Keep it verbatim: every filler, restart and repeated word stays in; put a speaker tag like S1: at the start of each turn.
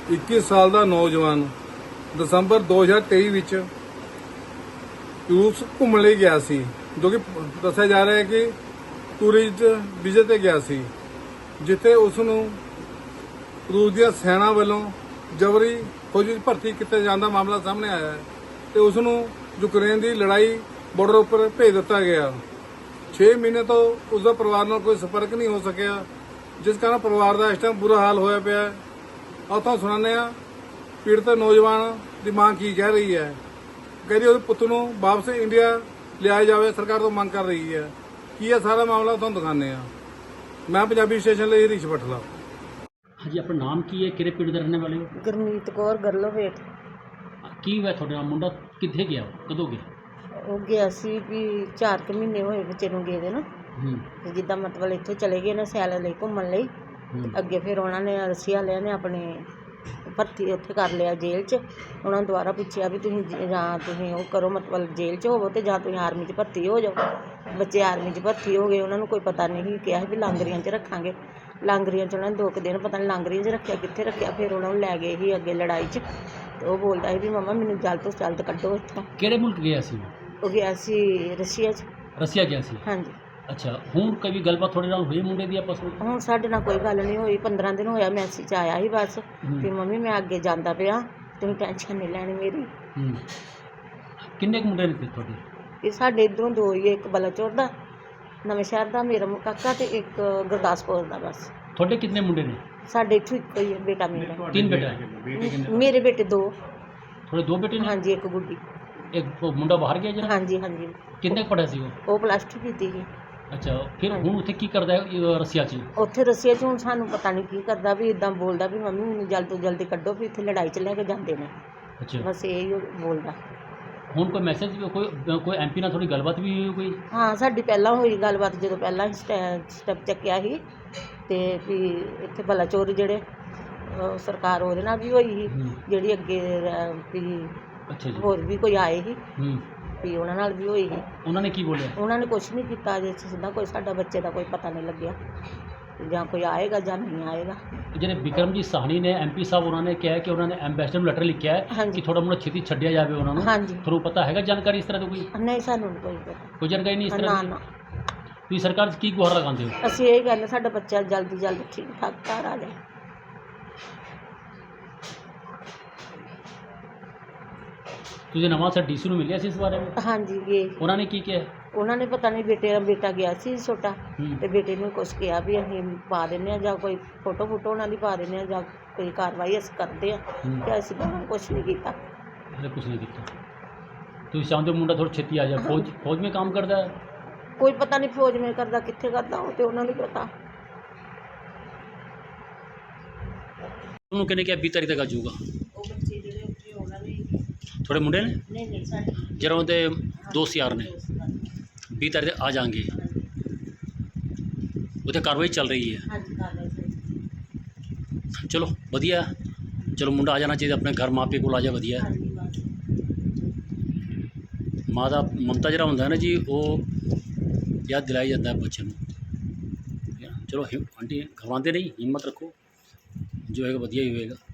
S1: ਇੱਕੀ ਸਾਲ ਦਾ ਨੌਜਵਾਨ ਦਸੰਬਰ ਦੋ ਹਜ਼ਾਰ ਤੇਈ ਵਿੱਚ ਰੂਸ ਘੁੰਮਣ ਲਈ ਗਿਆ ਸੀ, ਜੋ ਕਿ ਦੱਸਿਆ ਜਾ ਰਿਹਾ ਹੈ ਕਿ ਟੂਰਿਸਟ ਵੀਜ਼ੇ ਤੇ ਗਿਆ ਸੀ, ਜਿੱਥੇ ਉਸ ਨੂੰ ਰੂਸ ਦੀਆਂ ਸੈਨਾ ਵੱਲੋਂ ਜਬਰੀ ਫੌਜੀ ਭਰਤੀ ਕੀਤੇ ਜਾਣ ਦਾ ਮਾਮਲਾ ਸਾਹਮਣੇ ਆਇਆ ਹੈ ਤੇ ਉਸ ਨੂੰ ਯੂਕਰੇਨ ਦੀ ਲੜਾਈ ਬਾਰਡਰ ਉੱਪਰ ਭੇਜ ਦਿੱਤਾ ਗਿਆ। ਛੇ ਮਹੀਨੇ ਤੋਂ ਉਸ ਦਾ ਪਰਿਵਾਰ ਨਾਲ ਕੋਈ ਸੰਪਰਕ ਨਹੀਂ ਹੋ ਸਕਿਆ, ਜਿਸ ਕਾਰਨ ਪਰਿਵਾਰ ਦਾ ਇਸ ਟਾਈਮ ਬੁਰਾ ਹਾਲ ਹੋਇਆ ਪਿਆ ਹੈ। ਆਓ ਤੁਹਾਨੂੰ ਸੁਣਾਉਂਦੇ ਹਾਂ ਪੀੜਤ ਨੌਜਵਾਨ ਦੀ ਮਾਂ ਕੀ ਕਹਿ ਰਹੀ ਹੈ। ਕਹਿੰਦੀ ਉਹਦੇ ਪੁੱਤ ਨੂੰ ਵਾਪਸ ਇੰਡੀਆ ਲਿਆਇਆ ਜਾਵੇ, ਸਰਕਾਰ ਤੋਂ ਮੰਗ ਕਰ ਰਹੀ ਹੈ। ਕੀ ਹੈ ਸਾਰਾ ਮਾਮਲਾ ਤੁਹਾਨੂੰ ਦਿਖਾਉਂਦੇ ਹਾਂ। ਮੈਂ ਪੰਜਾਬੀ ਸਟੇਸ਼ਨ ਲਈ ਹਰੀਸ਼ ਬਠਲਾ।
S2: ਹਾਂਜੀ, ਆਪਣਾ ਨਾਮ ਕੀ ਹੈ, ਕਿਹੜੇ ਪਿੰਡ ਦੇ ਰਹਿਣ ਵਾਲੇ ਹੋ?
S3: ਗੁਰਮੀਤ ਕੌਰ ਗਰਲੋਵੇਟ।
S2: ਕੀ ਹੋਇਆ ਤੁਹਾਡੇ ਨਾਲ? ਮੁੰਡਾ ਕਿੱਥੇ ਗਿਆ, ਕਦੋਂ ਗਿਆ?
S3: ਉਹ ਗਿਆ ਸੀ ਵੀ ਚਾਰ ਕੁ ਮਹੀਨੇ ਹੋਏ ਬੱਚੇ ਨੂੰ ਗਏ ਦੇ ਨਾ।
S2: ਹੂੰ
S3: ਤੇ ਜਿੱਦਾਂ ਮਤਲਬ ਇੱਥੋਂ ਚਲੇ ਗਏ ਨੇ ਸੈਲ ਲਈ ਘੁੰਮਣ ਲਈ।
S2: ਹੂੰ
S3: ਅੱਗੇ ਫਿਰ ਉਹਨਾਂ ਨੇ ਰਸ਼ੀਆ ਵਾਲਿਆਂ ਨੇ ਆਪਣੇ ਭਰਤੀ ਉੱਥੇ ਕਰ ਲਿਆ ਜੇਲ੍ਹ 'ਚ। ਉਹਨਾਂ ਨੂੰ ਦੁਬਾਰਾ ਪੁੱਛਿਆ ਵੀ ਤੁਸੀਂ ਜ- ਜਾਂ ਤੁਸੀਂ ਉਹ ਕਰੋ ਮਤਲਬ ਜੇਲ੍ਹ 'ਚ ਹੋਵੋ ਤੇ ਜਾਂ ਤੁਸੀਂ ਆਰਮੀ 'ਚ ਭਰਤੀ ਹੋ ਜਾਓ। ਬੱਚੇ ਆਰਮੀ 'ਚ ਭਰਤੀ ਹੋ ਗਏ। ਉਹਨਾਂ ਨੂੰ ਕੋਈ ਪਤਾ ਨਹੀਂ, ਕਿਹਾ ਸੀ ਵੀ ਲਾਂਗਰੀਆਂ 'ਚ ਰੱਖਾਂਗੇ। ਲਾਂਗਰੀਆਂ 'ਚ ਉਹਨਾਂ ਨੇ ਦੋ ਕੁ ਦਿਨ ਪਤਾ ਨਹੀਂ ਲਾਂਗਰੀਆਂ 'ਚ ਰੱਖਿਆ ਕਿੱਥੇ ਰੱਖਿਆ। ਫਿਰ ਉਹਨਾਂ ਨੂੰ ਲੈ ਗਏ ਸੀ ਅੱਗੇ ਲੜਾਈ 'ਚ। ਤੇ ਉਹ ਬੋਲਦਾ ਸੀ ਵੀ ਮੰਮਾ ਮੈਨੂੰ ਜਲਦ ਤੋਂ ਜਲਦ ਕੱਢੋ ਇੱਥੋਂ।
S2: ਕਿਹੜੇ ਮੁਲਕ ਗਿਆ ਸੀ?
S3: ਉਹ ਗਿਆ ਸੀ ਰਸ਼ੀਆ 'ਚ।
S2: ਰਸੀਆ ਗਿਆ ਸੀ।
S3: ਹਾਂਜੀ।
S2: ਅੱਛਾ, ਹੁਣ ਕਦੀ ਗੱਲਬਾਤ ਤੁਹਾਡੇ ਨਾਲ ਹੋਈ ਮੁੰਡੇ ਦੀ ਆਪਸ ਵਿੱਚ?
S3: ਹੁਣ ਸਾਡੇ ਨਾਲ ਕੋਈ ਗੱਲ ਨਹੀਂ ਹੋਈ। ਪੰਦਰਾਂ ਦਿਨ ਹੋਇਆ ਮੈਸੇਜ ਆਇਆ ਸੀ ਬਸ
S2: ਹੂੰ।
S3: ਵੀ ਮੰਮੀ ਮੈਂ ਅੱਗੇ ਜਾਂਦਾ ਪਿਆ, ਤੁਸੀਂ ਟੈਨਸ਼ਨ ਨਹੀਂ ਲੈਣੀ ਮੇਰੀ।
S2: ਹੂੰ ਕਿੰਨੇ ਕੁ ਮੁੰਡੇ ਨੇ ਫਿਰ ਤੁਹਾਡੇ?
S3: ਇਹ ਸਾਡੇ ਇੱਧਰੋਂ ਦੋ ਹੀ ਆ, ਇੱਕ ਬਲਾਚੌਰ ਦਾ ਨਵੇਂ ਸ਼ਹਿਰ ਦਾ ਮੇਰਾ ਕਾਕਾ ਤੇ ਇੱਕ ਗੁਰਦਾਸਪੁਰ ਦਾ। ਬਸ
S2: ਤੁਹਾਡੇ ਕਿੰਨੇ ਮੁੰਡੇ ਨੇ?
S3: ਸਾਡੇ ਇੱਥੋਂ ਇੱਕੋ ਹੀ ਹੈ ਬੇਟਾ ਮੇਰਾ।
S2: ਤਿੰਨ ਬੇਟਾ?
S3: ਮੇਰੇ ਬੇਟੇ ਦੋ।
S2: ਤੁਹਾਡੇ ਦੋ ਬੇਟੇ ਨੇ?
S3: ਹਾਂਜੀ, ਇੱਕ ਗੁੱਡੀ।
S2: ਇੱਕ ਉਹ ਮੁੰਡਾ ਬਾਹਰ ਗਿਆ ਜਿਹੜਾ?
S3: ਹਾਂਜੀ ਹਾਂਜੀ।
S2: ਕਿੰਨੇ ਕੁ ਪੜ੍ਹਿਆ ਸੀ ਉਹ?
S3: ਉਹ ਪਲੱਸ ਟੂ ਕੀਤੀ ਸੀ।
S2: ਅੱਛਾ, ਫਿਰ ਹੁਣ ਉੱਥੇ ਕੀ ਕਰਦਾ ਹੈ ਇਹ ਰਸੀਆ 'ਚ?
S3: ਉੱਥੇ ਰਸੀਆ 'ਚ ਹੁਣ ਸਾਨੂੰ ਪਤਾ ਨਹੀਂ ਕੀ ਕਰਦਾ, ਵੀ ਇਦਾਂ ਬੋਲਦਾ ਵੀ ਮੰਮੀ ਮੈਨੂੰ ਜਲਦ ਤੋਂ ਜਲਦੀ ਕੱਢੋ ਵੀ ਇੱਥੇ ਲੜਾਈ 'ਚ ਲੈ ਕੇ ਜਾਂਦੇ ਨੇ।
S2: ਅੱਛਾ,
S3: ਬਸ ਇਹ ਹੀ ਉਹ ਬੋਲਦਾ।
S2: ਹੁਣ ਕੋਈ ਮੈਸੇਜ ਕੋਈ ਕੋਈ ਐਮਪੀ ਨਾਲ ਥੋੜੀ ਗੱਲਬਾਤ ਵੀ ਹੋਈ ਕੋਈ?
S3: ਹਾਂ, ਸਾਡੀ ਪਹਿਲਾਂ ਹੋਈ ਗੱਲਬਾਤ ਜਦੋਂ ਪਹਿਲਾਂ ਸਟੈਪ ਚੱਕਿਆ ਸੀ ਤੇ ਵੀ ਇੱਥੇ ਬਲਾਚੌਰ ਜਿਹੜੇ ਅਹ ਸਰਕਾਰ ਉਹਦੇ ਨਾਲ ਵੀ ਹੋਈ ਸੀ,
S2: ਹੂੰ।
S3: ਜਿਹੜੀ ਅੱਗੇ ਰ- ਵੀ
S2: ਅੱਛਾ ਜੀ।
S3: ਹੋਰ ਵੀ ਕੋਈ ਆਏ ਸੀ
S2: ਹੂੰ
S3: ਵੀ ਉਹਨਾਂ ਨਾਲ ਵੀ ਹੋਈ ਸੀ।
S2: ਉਹਨਾਂ ਨੇ ਕੀ ਬੋਲਿਆ?
S3: ਉਹਨਾਂ ਨੇ ਕੁਛ ਨਹੀਂ ਕੀਤਾ ਅਜੇ ਸਿੱਧਾ, ਕੋਈ ਸਾਡਾ ਬੱਚੇ ਦਾ ਕੋਈ ਪਤਾ ਨਹੀਂ ਲੱਗਿਆ ਜਾਂ ਕੋਈ ਆਏਗਾ ਜਾਂ ਨਹੀਂ ਆਏਗਾ।
S2: ਜਿਹੜੇ ਵਿਕਰਮਜੀਤ ਸਾਹਨੀ ਨੇ ਐਮਪੀ ਸਾਹਿਬ, ਉਹਨਾਂ ਨੇ ਕਿਹਾ ਕਿ ਉਹਨਾਂ ਨੇ ਐਮਬੈਸਡਰ ਨੂੰ ਲੈਟਰ ਲਿਖਿਆ ਹੈ
S3: ਹਾਂਜੀ।
S2: ਕਿ ਥੋੜਾ ਮੁੰਡਾ ਛੇਤੀ ਛੱਡਿਆ ਜਾਵੇ ਉਹਨਾਂ ਨੂੰ।
S3: ਹਾਂਜੀ।
S2: ਤੁਹਾਨੂੰ ਪਤਾ ਹੈਗਾ ਜਾਣਕਾਰੀ ਇਸ ਤਰ੍ਹਾਂ ਦੀ ਕੋਈ?
S3: ਨਹੀਂ, ਸਾਨੂੰ ਨਹੀਂ ਕੋਈ ਪਤਾ।
S2: ਕੋਈ ਜਾਣਕਾਰੀ ਨਹੀਂ ਇਸ
S3: ਨਾ
S2: ਤਰ੍ਹਾਂ ਦੀ?
S3: ਨਾ,
S2: ਤੁਸੀਂ ਸਰਕਾਰ 'ਚ ਕੀ ਗੁਹਾਰ ਲਗਾਉਂਦੇ ਹੋ?
S3: ਅਸੀਂ ਇਹ ਕਹਿੰਦੇ ਸਾਡਾ ਬੱਚਾ ਜਲਦੀ ਜਲਦੀ ਠੀਕ ਠਾਕ ਘਰ ਆ ਜਾਏ।
S2: ਤੁਸੀਂ ਨਵਾਂ ਸਰ ਡੀਸੀ ਨੂੰ ਮਿਲਿਆ ਸੀ ਇਸ ਬਾਰੇ ਵਿੱਚ?
S3: ਹਾਂਜੀ ਗਏ।
S2: ਉਹਨਾਂ ਨੇ ਕੀ ਕਿਹਾ?
S3: ਉਹਨਾਂ ਨੇ ਪਤਾ ਨਹੀਂ ਬੇਟੇ ਦਾ ਬੇਟਾ ਗਿਆ ਸੀ ਛੋਟਾ
S2: ਹੂੰ।
S3: ਤੇ ਬੇਟੇ ਨੂੰ ਕੁਛ ਕਿਹਾ ਵੀ ਅਸੀਂ ਪਾ ਦਿੰਦੇ ਹਾਂ ਜਾਂ ਕੋਈ ਫੋਟੋ ਫੋਟੋ ਉਹਨਾਂ ਦੀ ਪਾ ਦਿੰਦੇ ਹਾਂ ਜਾਂ ਕੋਈ ਕਾਰਵਾਈ ਅਸੀਂ ਕਰਦੇ ਹਾਂ।
S2: ਹੂੰ।
S3: ਤੇ ਅਸੀਂ ਉਹਨਾਂ ਨੇ ਕੁਛ ਨਹੀਂ ਕੀਤਾ।
S2: ਹਲੇ ਕੁਝ ਨਹੀਂ ਕੀਤਾ। ਤੁਸੀਂ ਚਾਹੁੰਦੇ ਹੋ ਮੁੰਡਾ ਥੋੜਾ ਛੇਤੀ ਆ ਜਾਏ? ਫੌਜ ਫੌਜ में काम करता है?
S3: ਕੋਈ ਪਤਾ ਨਹੀਂ ਫੌਜ ਮੇਂ ਕਰਦਾ ਕਿੱਥੇ ਕਰਦਾ, ਉਹ ਤੇ ਉਹਨਾਂ ਨੂੰ ਪਤਾ।
S2: ਉਹਨੂੰ ਕਹਿੰਦੇ ਕਿ ਵੀਹ ਤਾਰੀਖ ਤੱਕ ਆ ਜਾਊਗਾ।
S3: ਉਹ ਬੱਚੇ ਜਿਹੜੇ ਉੱਥੇ ਉਹਨਾਂ ਨੇ
S2: ਥੋੜੇ ਮੁੰਡੇ ਨੇ
S3: ਨਹੀਂ ਨਹੀਂ ਸਾਡੇ
S2: ਜਿਹੜਾ ਉਹਦੇ ਦੋਸਤ ਯਾਰ ਨੇ ਵੀਹ ਤਾਰੀਖ ਤੱਕ ਆ ਜਾਣਗੇ। ਉੱਥੇ ਕਾਰਵਾਈ ਚੱਲ ਰਹੀ ਹੈ।
S3: ਹਾਂਜੀ ਕਰ ਰਹੇ ਸੀ।
S2: ਚਲੋ ਵਧੀਆ, ਚਲੋ ਮੁੰਡਾ ਆ ਜਾਣਾ ਚਾਹੀਦਾ ਆਪਣੇ ਘਰ, ਮਾਂ ਪਿਓ ਕੋਲ ਆ ਜਾ, ਵਧੀਆ।
S3: ਹਾਂਜੀ ਬਸ।
S2: ਮਾਂ ਦਾ ਮਮਤਾ ਜਿਹੜਾ ਹੁੰਦਾ ਹੈ ਨਾ ਜੀ, ਉਹ ਯਾਦ ਦਿਲਾਈ ਜਾਂਦਾ ਹੈ ਬੱਚੇ ਨੂੰ। ਚਲੋ ਹਿ- ਆਂਟੀ ਘਬਰਾਉਂਦੇ ਨਹੀਂ, ਹਿੰਮਤ ਰੱਖੋ, ਜੋ ਹੋਏਗਾ ਵਧੀਆ ਹੀ ਹੋਏਗਾ।